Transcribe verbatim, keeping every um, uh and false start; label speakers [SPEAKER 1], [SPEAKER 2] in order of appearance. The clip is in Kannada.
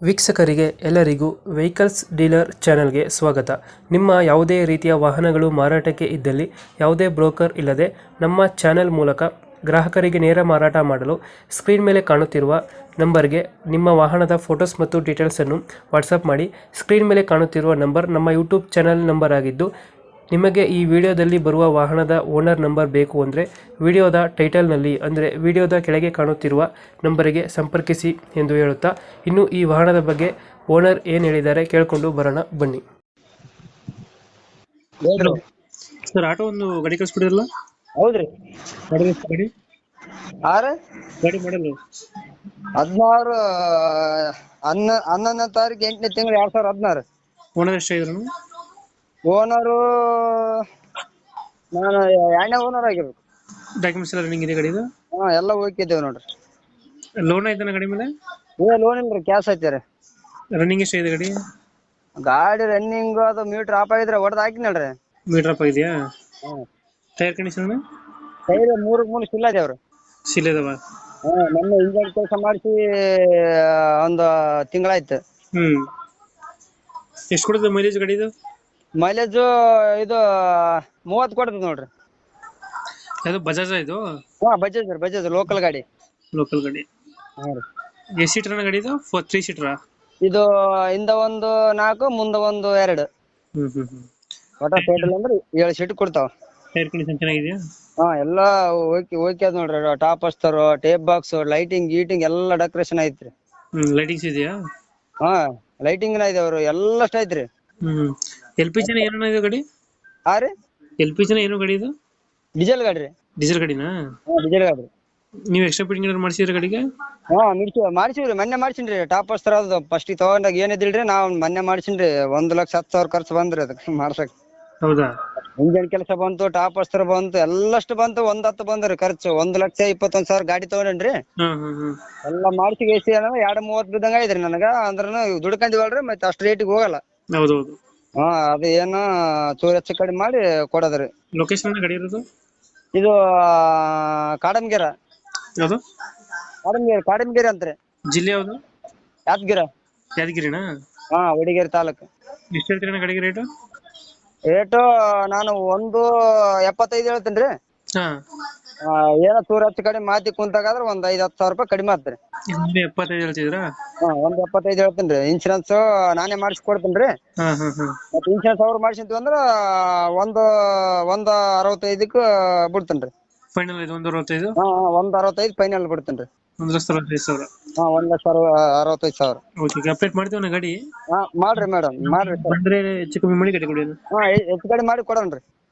[SPEAKER 1] ವೀಕ್ಷಕರಿಗೆ ಎಲ್ಲರಿಗೂ ವೆಹಿಕಲ್ಸ್ ಡೀಲರ್ ಚಾನೆಲ್ಗೆ ಸ್ವಾಗತ. ನಿಮ್ಮ ಯಾವುದೇ ರೀತಿಯ ವಾಹನಗಳು ಮಾರಾಟಕ್ಕೆ ಇದ್ದಲ್ಲಿ ಯಾವುದೇ ಬ್ರೋಕರ್ ಇಲ್ಲದೆ ನಮ್ಮ ಚಾನೆಲ್ ಮೂಲಕ ಗ್ರಾಹಕರಿಗೆ ನೇರ ಮಾರಾಟ ಮಾಡಲು ಸ್ಕ್ರೀನ್ ಮೇಲೆ ಕಾಣುತ್ತಿರುವ ನಂಬರ್ಗೆ ನಿಮ್ಮ ವಾಹನದ ಫೋಟೋಸ್ ಮತ್ತು ಡೀಟೇಲ್ಸನ್ನು ವಾಟ್ಸಪ್ ಮಾಡಿ. ಸ್ಕ್ರೀನ್ ಮೇಲೆ ಕಾಣುತ್ತಿರುವ ನಂಬರ್ ನಮ್ಮ ಯೂಟ್ಯೂಬ್ ಚಾನೆಲ್ ನಂಬರ್ ಆಗಿದ್ದು, ನಿಮಗೆ ಈ ವಿಡಿಯೋದಲ್ಲಿ ಬರುವ ವಾಹನದ ಓನರ್ ನಂಬರ್ ಬೇಕು ಅಂದರೆ ವಿಡಿಯೋದ ಟೈಟಲ್ನಲ್ಲಿ ಅಂದರೆ ವಿಡಿಯೋದ ಕೆಳಗೆ ಕಾಣುತ್ತಿರುವ ನಂಬರಿಗೆ ಸಂಪರ್ಕಿಸಿ ಎಂದು ಹೇಳುತ್ತಾ, ಇನ್ನು ಈ ವಾಹನದ ಬಗ್ಗೆ ಓನರ್ ಏನು ಹೇಳಿದ್ದಾರೆ ಕೇಳಿಕೊಂಡು ಬರೋಣ ಬನ್ನಿ.
[SPEAKER 2] ಹೇಳ್ರಿ.
[SPEAKER 1] ಸರ್, ಆಟೋ ಒಂದು ಗಾಡಿ ಕಳಿಸ್ಬಿಡಿರಲ್ಲ?
[SPEAKER 2] ಹೌದ್ರಿ.
[SPEAKER 1] ಗಾಡಿ ಗಾಡಿ
[SPEAKER 2] ಆರ
[SPEAKER 1] ಗಾಡಿ ಮಾಡಲು
[SPEAKER 2] ಹದಿನಾರು ಹನ್ನ ಹನ್ನೊಂದನೇ ತಾರೀಕು ಎಂಟನೇ ತಿಂಗಳು ಎರಡ್ ಸಾವಿರ ಹದಿನಾರು.
[SPEAKER 1] ಓನರ್ ಎಷ್ಟಾಗಿದ್ರು?
[SPEAKER 2] ಓನರು ನಾನು ಎರಡನೇ ಓನರ್ ಆಗಿರ್ಬೇಕು.
[SPEAKER 1] ಡಾಕ್ಯುಮೆಂಟ್ಸ್ ಎಲ್ಲ ರನ್ನಿಂಗ್ ಇದೆ ಗಾಡಿದು?
[SPEAKER 2] ಹಾ ಎಲ್ಲ ಹೋಗಿದ್ದೇವೆ ನೋಡ್ರಿ.
[SPEAKER 1] ಲೋನ್ ಆಯ್ತಾನ ಗಾಡಿ ಮೇಲೆ?
[SPEAKER 2] ಏ ಲೋನ್ ಇಲ್ರಿ, ಕ್ಯಾಶ್ ಐತೆ.
[SPEAKER 1] ರನ್ನಿಂಗ್ ಎಷ್ಟಾಗಿದೆ ಗಾಡಿ?
[SPEAKER 2] ಗಾಡಿ ರನ್ನಿಂಗ್ ಅದು ಮೀಟರ್ ಆಫ್ ಆಗಿದ್ರೆ ಹೊಡೆದ್ ಹಾಕಿನಲ್ರಿ.
[SPEAKER 1] ಮೀಟರ್ ಅಪ್ ಆಗಿದೆಯಾ?
[SPEAKER 2] ಹ್ಮ್.
[SPEAKER 1] ಟೈರ್ ಕಂಡೀಷನ್
[SPEAKER 2] ಟೈರ್ ಮೂರು ಮೂರು ಸಿಲ್ಲ ದೇವ್ರು.
[SPEAKER 1] ಸಿಲ್ ಇದಾವ?
[SPEAKER 2] ಹಾ ಮೊನ್ನೆ ಇಂಜನ್ ಕೆಲಸ ಮಾಡಿಸಿ ಒಂದು ತಿಂಗಳಾಯ್ತು.
[SPEAKER 1] ಹ್ಮ್. ಎಷ್ಟು ಕೊಡುತ್ತೆ ಮೈಲೇಜ್ ಗಾಡಿದು?
[SPEAKER 2] ಮೈಲೇಜ್ ಇದು ಮೂವತ್ತು ಕೊಡ್ತದೆ ನೋಡ್ರಿ.
[SPEAKER 1] ಅದು ಬಜಾಜ್ ಇದು?
[SPEAKER 2] ಹಾ ಬಜಾಜ್ ರೀ, ಬಜಾಜ್ ಲೋಕಲ್ ಗಾಡಿ.
[SPEAKER 1] ಲೋಕಲ್ ಗಾಡಿ.
[SPEAKER 2] ಹಾ ರೀ.
[SPEAKER 1] ಎಷ್ಟು ಸೀಟರ್ ಗಾಡಿ ಇದು? ಫೋರ್ ತ್ರೀ ಸೀಟರಾ?
[SPEAKER 2] ಇದು ಹಿಂದ ಒಂದು ನಾಲ್ಕು ಮುಂದ ಒಂದು ಎರಡು.
[SPEAKER 1] ಹ್ಮ್ ಹ್ಮ್ ಹ್ಮ್.
[SPEAKER 2] ಒಟ್ಟ ಟೋಟಲ್ ಅಂದ್ರೆ ಏಳು ಸೀಟ್ ಕೊಡ್ತಾವ.
[SPEAKER 1] ಟೈರ್ ಕಂಡೀಷನ್ ಚೆನ್ನಾಗಿದೆಯಾ?
[SPEAKER 2] ಹಾ ಎಲ್ಲಾ ಓಕೆ ಓಕೆ ಅದ್ ನೋಡ್ರಿ. ಟಾಪ್ ಅಸ್ತರ್, ಟೇಪ್ ಬಾಕ್ಸ್, ಲೈಟಿಂಗ್ ಗೀಟಿಂಗ್ ಎಲ್ಲ ಡೆಕೋರೇಷನ್ ಐತ್ರಿ.
[SPEAKER 1] ಹ್ಮ್. ಲೈಟಿಂಗ್ಸ್ ಇದೆಯಾ?
[SPEAKER 2] ಹಾ ಲೈಟಿಂಗ್ ನ ಇದಾವ್ರಿ, ಎಲ್ಲಷ್ಟ ಐತ್ರಿ.
[SPEAKER 1] ಹ್ಮ್. ಎಲ್ ಪಿ ಜಿನ ಏನೋ ಇದು ಗಾಡಿ?
[SPEAKER 2] ಹಾ ರೀ.
[SPEAKER 1] ಎಲ್ ಪಿ ಜಿನ ಏನು ಗಾಡಿ ಇದು?
[SPEAKER 2] ಡೀಸೆಲ್ ಗಾಡಿ ರೀ.
[SPEAKER 1] ಡೀಸೆಲ್ ಗಾಡಿನಾ?
[SPEAKER 2] ಹಾ ಡೀಸೆಲ್ ಗಾಡಿ.
[SPEAKER 1] ನೀವು ಎಕ್ಸ್ಟ್ರಾ ಫಿಟ್ಟಿಂಗ್ ಏನಾದ್ರು ಮಾಡಿಸಿದ್ರೆ ಗಾಡಿಗೆ?
[SPEAKER 2] ಹಾ ಮಿಡ್ಸಿ ಮಾಡ್ಸಿವ್ರಿ, ಮೊನ್ನೆ ಮಾಡ್ಸಿನ್ರಿ. ಟಾಪ್ ಅಸ್ತರ್ ಅದು ಫಸ್ಟ್ ತಗೊಂಡಾಗ ಏನಿದಿಲ್ರಿ, ನಾವ್ ಮೊನ್ನೆ ಮಾಡ್ಸಿನ್ರಿ. ಒಂದ್ ಲಕ್ಷ ಹತ್ತು ಸಾವಿರ ಖರ್ಚು ಬಂದ್ರಿ ಅದಕ್ಕೆ ಮಾಡ್ಸಕ್.
[SPEAKER 1] ಹೌದಾ?
[SPEAKER 2] ಇಂಜನ್ ಕೆಲಸ ಬಂತು, ಟಾಪ್ ಅಸ್ತರ್ ಬಂತು, ಎಲ್ಲಷ್ಟು ಬಂತು. ಒಂದ್ ಹತ್ತು ಬಂದ್ರಿ ಖರ್ಚು. ಒಂದ್ ಲಕ್ಷ ಇಪ್ಪತ್ತೊಂದ್ ಸಾವಿರ ಗಾಡಿ ತಗೊಂಡ್ರಿ.
[SPEAKER 1] ಹ್ಮ್ ಹ್ಮ್ ಹ್ಮ್.
[SPEAKER 2] ಎಲ್ಲಾ ಮಾಡ್ಸಿ ಎಸಿ ಎರಡ್ ಮೂವತ್ ಬಿದ್ದಂಗ ಐತ್ರಿ ನನಗ. ಅಂದ್ರನು ದುಡ್ಕಂದಿವಲ್ರಿ, ಮತ್ತೆ ಅಷ್ಟ್ ರೇಟಿಗೆ ಹೋಗಲ್ಲ.
[SPEAKER 1] ಹೌದೌದು.
[SPEAKER 2] ಹಾ ಅದು ಏನು ಚೂರ್ ಹೆಚ್ಚು ಕಡಿಮೆ ಮಾಡಿ ಕೊಡೋದ್ರಿ.
[SPEAKER 1] ಲೊಕೇಶನ್ ಗಾಡಿ ಇರೋದು?
[SPEAKER 2] ಇದು ಕಾಡಂಗೆರ.
[SPEAKER 1] ಯಾವುದು?
[SPEAKER 2] ಕಾಡಂಗೆರೆ, ಕಾಡಂಗೆರೆ ಅಂತ್ರಿ.
[SPEAKER 1] ಜಿಲ್ಲೆ ಯಾವುದು?
[SPEAKER 2] ಯಾದಗಿರ.
[SPEAKER 1] ಯಾದಗಿರಿನಾ?
[SPEAKER 2] ಹಾ ವಡಿಗೇರಿ ತಾಲೂಕು.
[SPEAKER 1] ಎಷ್ಟು ಹೇಳ್ತೀರಣ್ಣ ಗಾಡಿಗೆ ರೇಟು?
[SPEAKER 2] ರೇಟು ನಾನು ಒಂದು ಎಪ್ಪತ್ತೈದು ಹೇಳ್ತೇನ್ರಿ.
[SPEAKER 1] ಹಾ.
[SPEAKER 2] ಏನೋ ಚೂರ್ ಹೆಚ್ಚು ಕಡಿಮೆ ಮಾತಿ ಕುಂತಾಗಾದ್ರೆ ಒಂದ್ ಐದ್ ಹತ್ತು ಸಾವಿರ ರೂಪಾಯಿ ಕಡಿಮೆ ಆತ್ರಿ.
[SPEAKER 1] ಇನ್ನೂ ಎಪ್ಪತ್ತೈದು ಹೇಳ್ತಿದ್ರಾ?
[SPEAKER 2] ಹಾ ಒಂದ್ ಎಪ್ಪತ್ತೈದು ಹೇಳ್ತೇನ್ರಿ. ಇನ್ಶೂರೆನ್ಸ್ ನಾನೇ ಮಾಡಿಸಿ ಕೊಡ್ತೇನ್ರಿ.
[SPEAKER 1] ಹಾ ಹಾ ಹಾ.
[SPEAKER 2] ಮತ್ತೆ ಇನ್ಶೂರೆನ್ಸ್ ಅವ್ರು ಮಾಡ್ಸಿದ್ವಿ ಅಂದ್ರ ಒಂದು ಒಂದ್ ಅರವತ್ತೈದಕ್ಕ ಬಿಡ್ತೇನ್ರಿ.
[SPEAKER 1] ಫೈನಲ್ ಇದು ಒಂದು ಅರವತ್ತೈದು?
[SPEAKER 2] ಹಾ ಒಂದ್ ಅರವತ್ತೈದು ಫೈನಲ್ ಬಿಡ್ತೇನ್ರಿ.
[SPEAKER 1] ಒಂದು ಲಕ್ಷ ಅರವತ್ತೈದು ಸಾವಿರ?
[SPEAKER 2] ಹಾ ಒಂದ್ ಲಕ್ಷ ಅರವತ್ತೈದು ಸಾವಿರ.
[SPEAKER 1] ಓಕೆ, ಅಪ್ಡೇಟ್ ಮಾಡ್ತೀವಿ ನಾ ಗಾಡಿ.
[SPEAKER 2] ಹಾ ಮಾಡ್ರಿ ಮೇಡಮ್, ಮಾಡ್ರಿ ಸರ್.
[SPEAKER 1] ಬಂದ್ರೆ ಹೆಚ್ಚು ಕಮ್ಮಿ ಮಾಡಿ ಗಾಡಿ ಕೊಡಿ.
[SPEAKER 2] ಹಾ ಹೆಚ್ಚು ಕಡಿಮೆ ಮಾಡಿ ಕೊಡೋಣ್ರಿ.